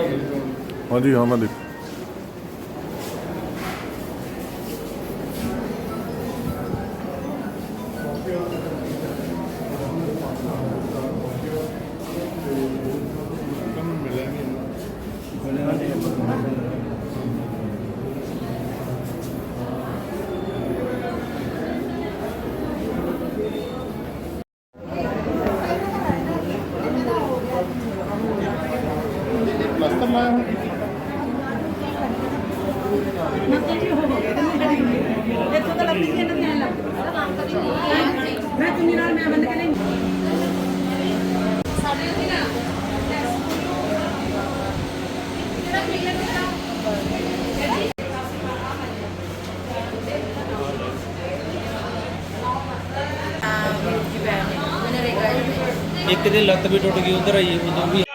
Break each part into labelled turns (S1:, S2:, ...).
S1: हाँ जी, हाँ मैं देख प्लास्टर लाया हूँ।
S2: एक दिन लत्त भी टुट गई उधर आई उधर भी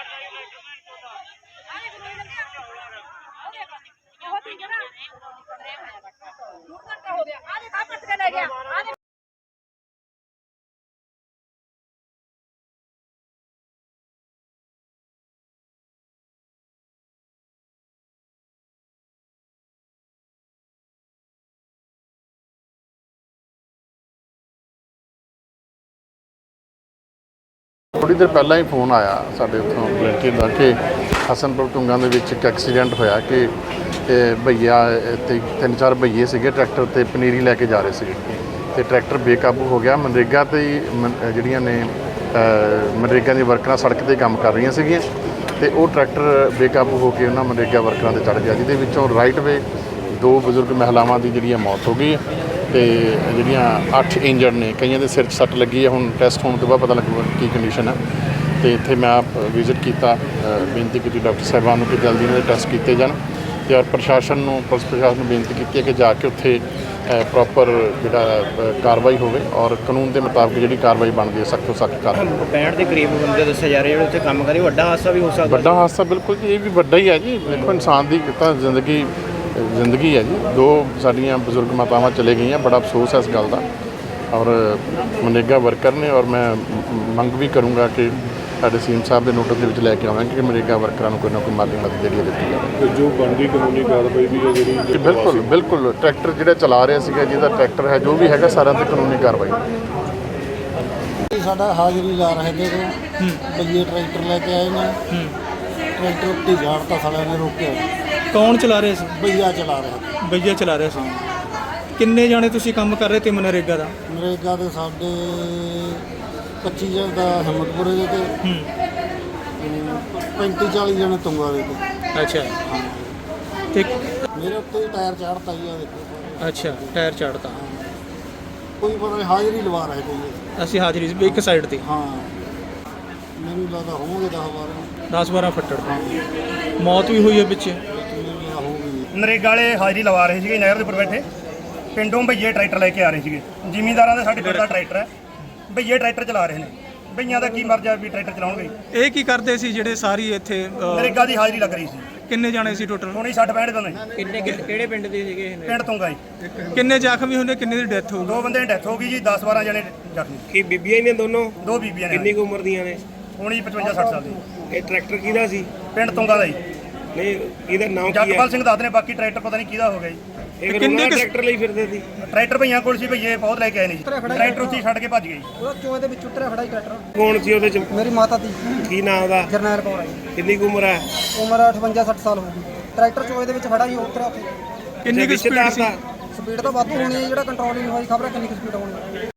S1: थोड़ी देर पहला ही फोन आया साढ़े उतों वलंटियर का कि हसनपुर तुंगा के एक एक्सीडेंट होया कि भईया तीन चार भईए से ट्रैक्टर ते पनीरी लैके जा रहे थे तो ट्रैक्टर बेकाबू हो गया। मनरेगा ते जड़ियाँ ने मनरेगा दी वर्करां सड़क ते काम कर रही सीगियां ते वो ट्रैक्टर बेकाबू होकर उन्होंने मनरेगा वर्करां ते चढ़ गया जिहदे विचों राइट वे दो बजुर्ग महिलावां दी जिहड़ी मौत हो गई तो ਜਿਹੜੀਆਂ 8 इंजर्ड ने कईयां दे सिर 'ਚ सट लगी है। हुण टैसट होने तो बाद पता लगूगा की कंडीशन है। तो इत्थे मैं आप विजिट किया, बेनती की डॉक्टर साहबान कि जल्दी इन्हां दे टैसट किए जान ते और प्रशासन नूं पुलिस प्रशासन नूं बेनती की है कि जाके उत्थे प्रॉपर जिहड़ा कार्रवाई होवे और कानून के मुताबिक जिहड़ी कार्रवाई बनती है सख्त तो सख्त कर।
S2: 65 ਦੇ ਕਰੀਬ ਬੰਦੇ ਦੱਸੇ ਜਾ ਰਹੇ ਜਿਹੜੇ ਉੱਥੇ ਕੰਮ ਕਰੇ ਵੱਡਾ ਹਾਦਸਾ ਵੀ ਹੋ ਸਕਦਾ।
S1: ਵੱਡਾ ਹਾਦਸਾ ਬਿਲਕੁਲ ਜੀ, ਇਹ ਵੀ ਵੱਡਾ ਹੀ ਹੈ ਜੀ। ਦੇਖੋ ਇਨਸਾਨ ਦੀ ਤਾਂ ਜ਼ਿੰਦਗੀ है जी। दो साड़ियाँ बजुर्ग मातावां चले गई हैं, बड़ा अफसोस है इस गल का। और मनरेगा वर्कर ने और मैं मंग भी करूँगा कि साढ़े सीएम साहब के नोटिस के लैके आवांगे कि मनरेगा वर्करां कोई ना कोई माली मदद जी दी जाए।
S3: जो बनती कानूनी कार्रवाई भी है जी
S1: बिल्कुल बिल्कुल ट्रैक्टर जो चला रहे थे जिहदा ट्रैक्टर है जो भी है सारा ते कानूनी कार्रवाई।
S4: साडा हाज़री ला रहे थे बल्ले ट्रैक्टर लेके आए ना, ट्रैक्टर उत्ते झाड़ता साले ने रोके।
S2: ਕੌਣ ਚਲਾ ਰਹੇ ਸੀ?
S4: भैया चला रहे थे।
S2: ਭਈਆ ਚਲਾ ਰਹੇ ਸੀ। ਕਿੰਨੇ ਜਾਣੇ ਤੁਸੀਂ ਕੰਮ ਕਰ ਰਹੇ ਤੇ ਮਨਰੇਗਾ ਦਾ?
S4: नरेगा के साढ़े 25 जन का हिम्मतपुरे के थे, 35-40 जने तुंगा के थे।
S2: ਅੱਛਾ ਤੇ
S4: मेरे उत्ते टायर चाड़ता ही है, देखो
S2: ਅੱਛਾ ਟਾਇਰ ਚੜਤਾ।
S4: कोई पता नहीं हाज़री लवा रहे थे ये।
S2: ਅਸੀਂ ਹਾਜ਼ਰੀ ਸੀ ਇੱਕ ਸਾਈਡ ਤੇ
S4: हाँ मैनू लगता होंगे 10-12
S2: 10-12 ਫੱਟੜ ਮੌਤ ਵੀ ਹੋਈ ਹੈ ਪਿੱਛੇ।
S5: ਨਰੇਗਾ ਵਾਲੇ ਹਾਜ਼ਰੀ ਲਵਾ ਰਹੇ ਸੀਗੇ ਨਹਿਰ ਦੇ ਉੱਪਰ ਬੈਠੇ, ਪਿੰਡੋਂ ਭਈਏ ਟਰੈਕਟਰ ਲੈ ਕੇ ਆ ਰਹੇ ਸੀਗੇ। ਜ਼ਿਮੀਂਦਾਰਾਂ ਦਾ ਸਾਡੇ ਪਿੰਡ ਦਾ ਟਰੈਕਟਰ ਹੈ, ਭਈਏ ਟਰੈਕਟਰ ਚਲਾ ਰਹੇ ਨੇ। ਭਈਆਂ ਦਾ ਕੀ ਮਰਜ਼ਾ ਵੀ ਟਰੈਕਟਰ ਚਲਾਉਣਗੇ।
S2: ਇਹ ਕੀ ਕਰਦੇ ਸੀ ਜਿਹੜੇ ਸਾਰੀ ਇੱਥੇ
S5: ਨਰੇਗਾ ਦੀ ਹਾਜ਼ਰੀ ਲੱਗ ਰਹੀ ਸੀ।
S2: ਕਿੰਨੇ ਜਾਣੇ ਸੀ ਟੋਟਲ?
S5: ਹੁਣੇ 60-65 ਬੰਦੇ।
S2: ਕਿਹੜੇ ਪਿੰਡ ਦੇ ਸੀਗੇ?
S5: ਪਿੰਡ ਤੋਂ ਗਏ।
S2: ਕਿੰਨੇ ਜ਼ਖਮੀ ਹੋਣੇ, ਕਿੰਨੇ ਦੀ ਡੈਥ ਹੋ ਗਈ?
S5: 2 ਬੰਦੇ ਦੀ ਡੈਥ ਹੋ ਗਈ ਜੀ, 10-12 ਜਣੇ ਜ਼ਖਮੀ।
S6: ਕੀ ਬੀਬੀਆਂ ਹੀ ਨੇ ਦੋਨੋਂ?
S5: 2 ਬੀਬੀਆਂ ਨੇ।
S6: ਕਿੰਨੀ ਕੁ ਉਮਰ ਦੀਆਂ ਨੇ?
S5: ਹੁਣ ਜੀ 55-60 ਸਾਲ ਦੀ।
S6: ਇਹ ਟਰੈਕਟਰ ਕਿਹਦਾ ਸੀ?
S5: ਪਿੰਡ ਤੋਂਗਾ ਦਾ ਜੀ।
S6: ਨਹੀਂ ਇਹਦਾ ਨਾਮ ਕੀ ਹੈ?
S5: ਜਗਪਾਲ ਸਿੰਘ ਦੱਸਦੇ ਨੇ, ਬਾਕੀ ਟਰੈਕਟਰ ਪਤਾ ਨਹੀਂ ਕਿਹਦਾ ਹੋ ਗਿਆ ਜੀ।
S6: ਇਹ ਫਿਰ ਉਹਨਾਂ ਦਾ ਟਰੈਕਟਰ ਲਈ ਫਿਰਦੇ ਸੀ?
S5: ਟਰੈਕਟਰ ਭਈਆਂ ਕੋਲ ਸੀ, ਭਈਏ ਬਹੁਤ ਲੈ ਕੇ ਆਏ ਨੇ ਜੀ। ਟਰੈਕਟਰ ਉੱਥੇ ਛੱਡ ਕੇ ਭੱਜ ਗਏ ਜੀ।
S4: ਉਹ ਚੋਏ ਦੇ ਵਿੱਚ ਉਤਰਿਆ ਖੜਾ ਹੀ ਟਰੈਕਟਰ।
S6: ਕੌਣ ਸੀ ਉਹਦੇ ਚ?
S4: ਮੇਰੀ ਮਾਤਾ ਦੀ
S6: ਕੀ ਨਾਮ ਉਹਦਾ?
S4: ਜਰਨੈਲ ਕੌਰ ਆਈ,
S6: ਕਿੰਨੀ ਕੁ ਉਮਰ ਹੈ?
S4: ਉਮਰ 58-60 ਸਾਲ ਹੋ ਗਈ। ਟਰੈਕਟਰ ਚੋਏ ਦੇ ਵਿੱਚ ਖੜਾ ਹੀ ਉਤਰਿਆ ਉੱਥੇ।
S2: ਕਿੰਨੀ ਕੁ ਸਪੀਡ ਸੀ?
S4: ਸਪੀਡ ਤਾਂ ਵਾਧੂ ਹੋਣੀ ਹੈ, ਜਿਹੜਾ ਕੰਟਰੋਲ ਹੀ ਨਹੀਂ ਹੋਈ, ਖਬਰ ਕਿੰਨੀ ਕੁ ਸਪੀਡ ਹੋਣੀ ਹੈ।